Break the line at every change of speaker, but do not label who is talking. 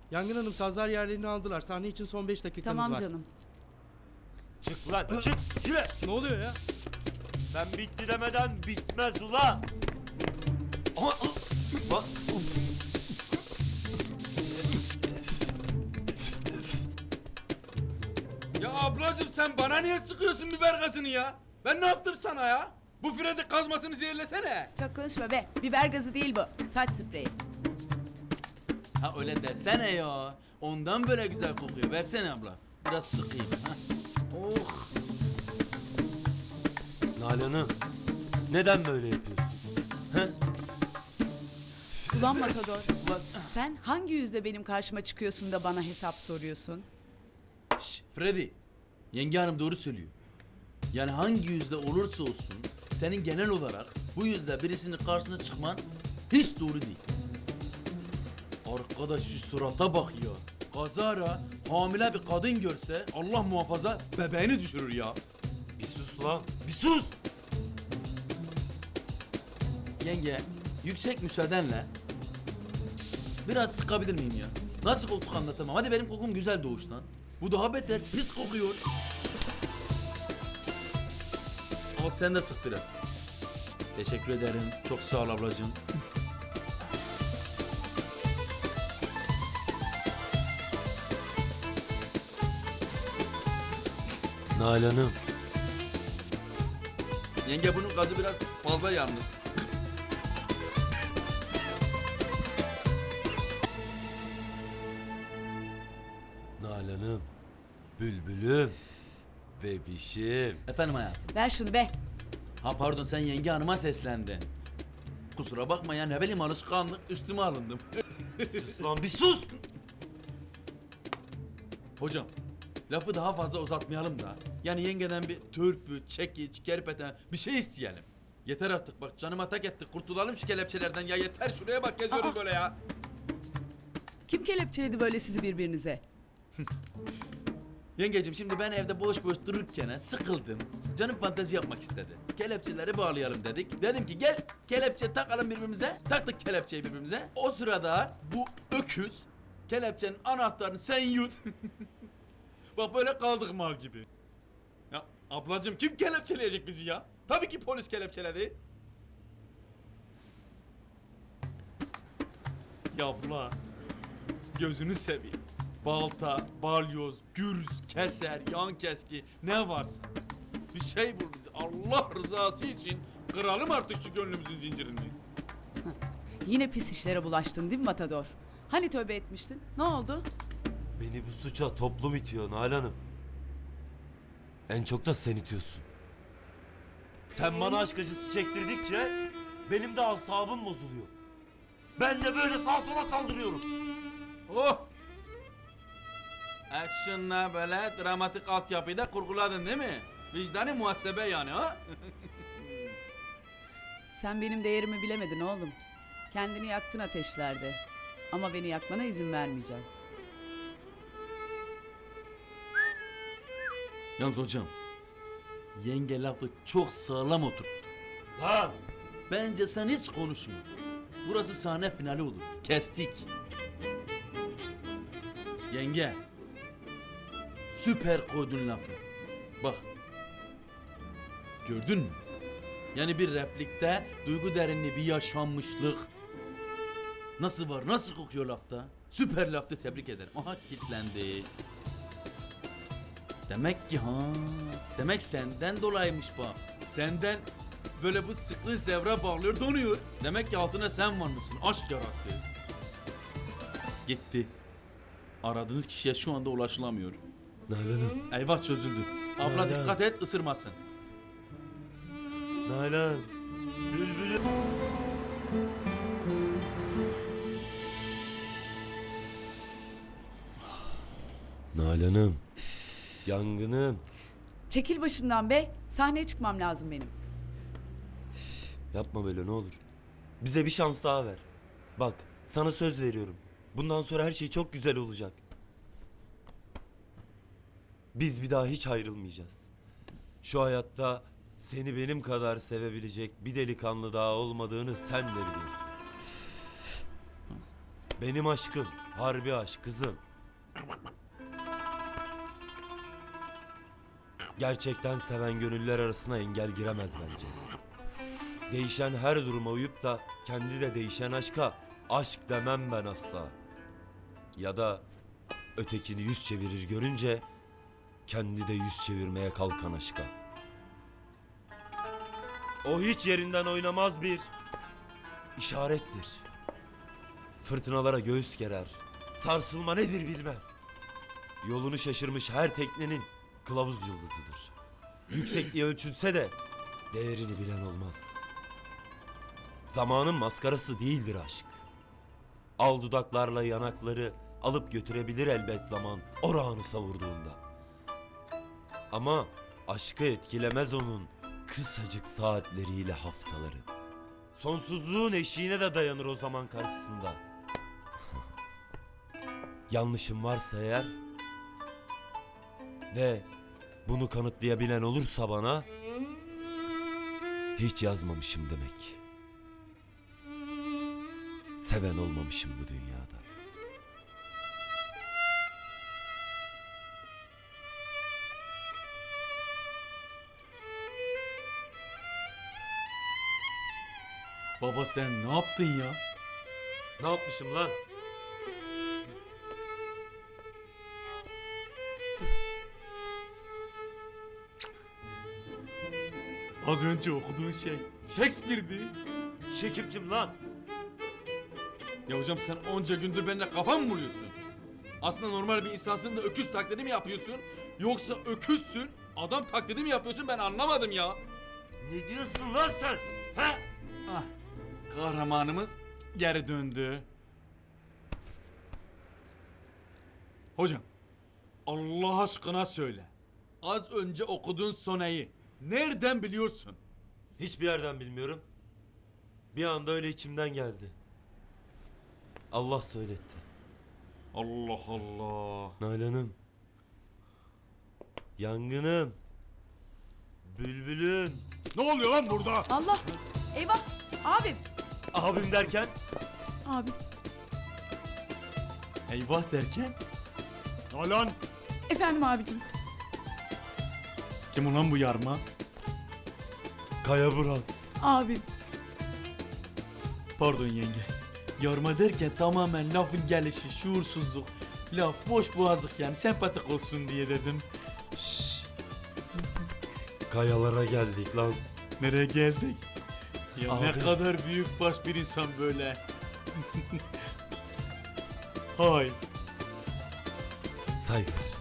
Yangın Hanım sazlar yerlerini aldılar. Sahne için son 5 dakikanız
Tamam
var.
canım.
Çık lan çık yürü.
Ne oluyor ya?
Ben bitti demeden bitmez ula. Ama bak.
Ya ablacım sen bana niye sıkıyorsun biber gazını ya? Ben ne yaptım sana ya? Bu freni kazmasını zehirlesene.
Çok konuşma be. Biber gazı değil bu. Saç spreyi.
Ha öyle desene ya. Ondan böyle güzel kokuyor. Versene abla. Biraz sıkayım. Ha. Oh.
Nalan'ım neden böyle yapıyorsun? He?
Ulan Matador.
Ulan,
Sen hangi yüzle benim karşıma çıkıyorsun da bana hesap soruyorsun?
şş, Freddy. Yenge hanım doğru söylüyor. Yani hangi yüzde olursa olsun senin genel olarak bu yüzde birisinin karşısına çıkman hiç doğru değil. Arkadaş şu surata bak ya. Kazara hamile bir kadın görse Allah muhafaza bebeğini düşürür ya.
Bir sus lan bir sus.
Yenge yüksek müsaadenle biraz sıkabilir miyim ya? Nasıl koktuk anlatamam. Hadi benim kokum güzel doğuştan. Bu daha beter pis kokuyor. Al sen de sık biraz. Teşekkür ederim. Çok sağ ol ablacığım.
Nalan'ım
Yenge bunun gazı biraz fazla yalnız.
Nalan'ım bülbülüm bebişim.
Efendim hayatım.
Ver şunu be.
Ha pardon sen yenge hanıma seslendin. Kusura bakma ya ne bileyim alışkanlık üstüme alındım.
Sus lan bir sus.
Hocam lafı daha fazla uzatmayalım da. Yani yengeden bir törpü, çekiç, kerpeten bir şey isteyelim. Yeter artık bak canıma tak ettik kurtulalım şu kelepçelerden ya yeter şuraya bak geziyoruz böyle ya.
Kim kelepçeledi böyle sizi birbirinize?
Yengeciğim şimdi ben evde boş boş dururken sıkıldım. Canım fantezi yapmak istedi. Kelepçeleri bağlayalım dedik. Dedim ki gel kelepçe takalım birbirimize. Taktık kelepçeyi birbirimize. O sırada bu öküz kelepçenin anahtarını sen yut. Bak böyle kaldık mal gibi. Ya ablacığım kim kelepçeleyecek bizi ya? Tabii ki polis kelepçeledi. Ya abla gözünü seveyim. Balta, balyoz, gürz, keser, yan keski ne varsa. Bir şey bul bize. Allah rızası için kıralım artık şu gönlümüzün zincirini.
Yine pis işlere bulaştın değil mi Matador? Hani tövbe etmiştin? Ne oldu?
Beni bu suça toplum itiyor Nalan'ım. En çok da sen itiyorsun. Sen bana aşk acısı çektirdikçe benim de asabım bozuluyor. Ben de böyle sağa sola saldırıyorum.
Oh! Action'la böyle dramatik altyapıyı da kurguladın değil mi? Vicdani muhasebe yani ha?
Sen benim değerimi bilemedin oğlum. Kendini yaktın ateşlerde. Ama beni yakmana izin vermeyeceğim.
Yalnız hocam, yenge lafı çok sağlam oturttu.
Lan!
Bence sen hiç konuşma. Burası sahne finali olur. Kestik. Yenge. Süper koydun lafı. Bak. Gördün mü? Yani bir replikte duygu derinliği bir yaşanmışlık. Nasıl var? Nasıl kokuyor lafta? Süper laftı tebrik ederim. Aha kilitlendi. Demek ki demek senden dolayıymış bu. Senden böyle bu sıklı zevra bağlıyor donuyor. Demek ki altına sen varmışsın aşk yarası. Gitti. Aradığınız kişiye şu anda ulaşılamıyor.
Nalan'ım.
Eyvah çözüldü. Abla
Nalan.
dikkat et ısırmasın.
Nalan. Bülbülüm. Nalan'ım. Yangınım.
Çekil başımdan be. Sahneye çıkmam lazım benim.
Yapma böyle ne olur. Bize bir şans daha ver. Bak sana söz veriyorum. Bundan sonra her şey çok güzel olacak. Biz bir daha hiç ayrılmayacağız. Şu hayatta seni benim kadar sevebilecek bir delikanlı daha olmadığını sen de biliyorsun. Benim aşkım Harbi aşk kızım. Gerçekten seven gönüller arasına engel giremez bence. Değişen her duruma uyup da kendi de değişen aşka aşk demem ben asla. Ya da ötekini yüz çevirir görünce kendi de yüz çevirmeye kalkan aşka. O hiç yerinden oynamaz bir işarettir. Fırtınalara göğüs gerer. Sarsılma nedir bilmez. Yolunu şaşırmış her teknenin kılavuz yıldızıdır. Yüksekliği ölçülse de değerini bilen olmaz. Zamanın maskarası değildir aşk. Al dudaklarla yanakları alıp götürebilir elbet zaman orağını savurduğunda. Ama aşkı etkilemez onun kısacık saatleriyle haftaları. Sonsuzluğun eşiğine de dayanır o zaman karşısında. Yanlışım varsa eğer ve bunu kanıtlayabilen olursa bana hiç yazmamışım demek. Seven olmamışım bu dünyada.
Baba sen ne yaptın ya?
Ne yapmışım lan?
Az önce okuduğun şey Shakespeare'di.
Şekip kim lan?
Ya hocam sen onca gündür benimle kafa mı buluyorsun? Aslında normal bir insansın da öküz taklidi mi yapıyorsun? Yoksa öküzsün, adam taklidi mi yapıyorsun ben anlamadım ya.
Ne diyorsun lan sen? He?
Ah, kahramanımız geri döndü. Hocam, Allah aşkına söyle. Az önce okuduğun soneyi nereden biliyorsun?
Hiçbir yerden bilmiyorum. Bir anda öyle içimden geldi. Allah söyletti.
Allah Allah.
Nalan'ım. Yangınım. Bülbülüm.
Ne oluyor lan burada?
Allah! Eyvah! Abim!
Abim derken?
Abim.
Eyvah derken?
Nalan.
Efendim abicim.
Kim ulan bu yarma?
Kaya Buran.
Abim.
Pardon yenge. Yarma derken tamamen lafın gelişi, şuursuzluk, laf boş boğazlık yani sempatik olsun diye dedim.
Kayalara geldik lan.
Nereye geldik? Ya ne
Abi.
kadar büyük baş bir insan böyle. Hay.
Saygılar.